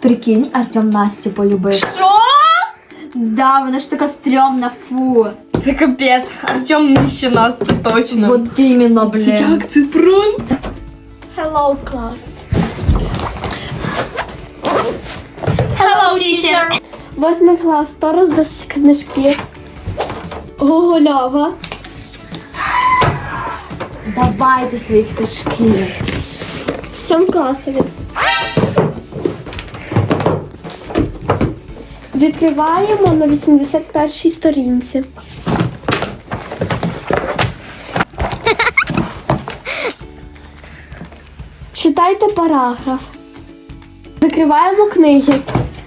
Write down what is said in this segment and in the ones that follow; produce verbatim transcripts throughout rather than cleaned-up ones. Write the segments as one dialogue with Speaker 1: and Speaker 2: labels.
Speaker 1: Прикинь, Артем Настю полюбив.
Speaker 2: Що?
Speaker 1: Да, вона ж така стрьомна, фу.
Speaker 2: Це капець. Артем нижче нас, це точно.
Speaker 1: Вот іменно, блін.
Speaker 2: Як це просто?
Speaker 1: Hello, class.
Speaker 2: Hello, teacher.
Speaker 3: Восьмий клас, хто роздасть книжки? Гоголява.
Speaker 1: Давайте свої книжки.
Speaker 3: В сьомому класові. Відкриваємо на вісімдесят першій сторінці. Читайте параграф. Закриваємо книги.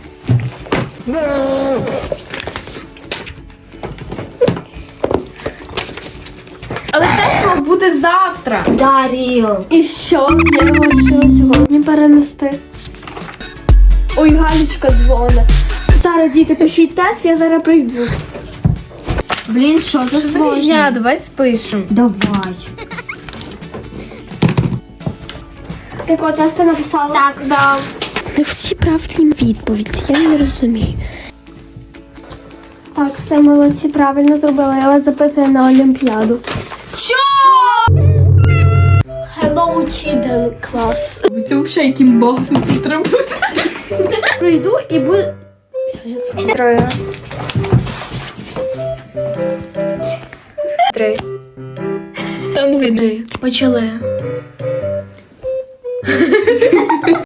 Speaker 2: Але тест мав бути завтра.
Speaker 1: Да, Ріл.
Speaker 3: І що? Я вирішила сьогодні перенести. Ой, Галічка дзвонить. Зараз, діти, пишіть тест, я зараз прийду.
Speaker 1: Блін, що за
Speaker 2: Я,
Speaker 1: сложно?
Speaker 2: давай спишемо.
Speaker 1: Давай.
Speaker 3: Так от, тест ти написала?
Speaker 1: Так, да.
Speaker 3: Не всі правильні відповіді, я не розумію. Так, все, молодці, правильно зробила. Я вас записую на Олімпіаду.
Speaker 2: Що?
Speaker 3: Hello, children class.
Speaker 2: Це взагалі яким богом тут треба бути.
Speaker 3: Прийду і буду... Все, я спочатку.
Speaker 2: Троє. Три. Там видно. Почали.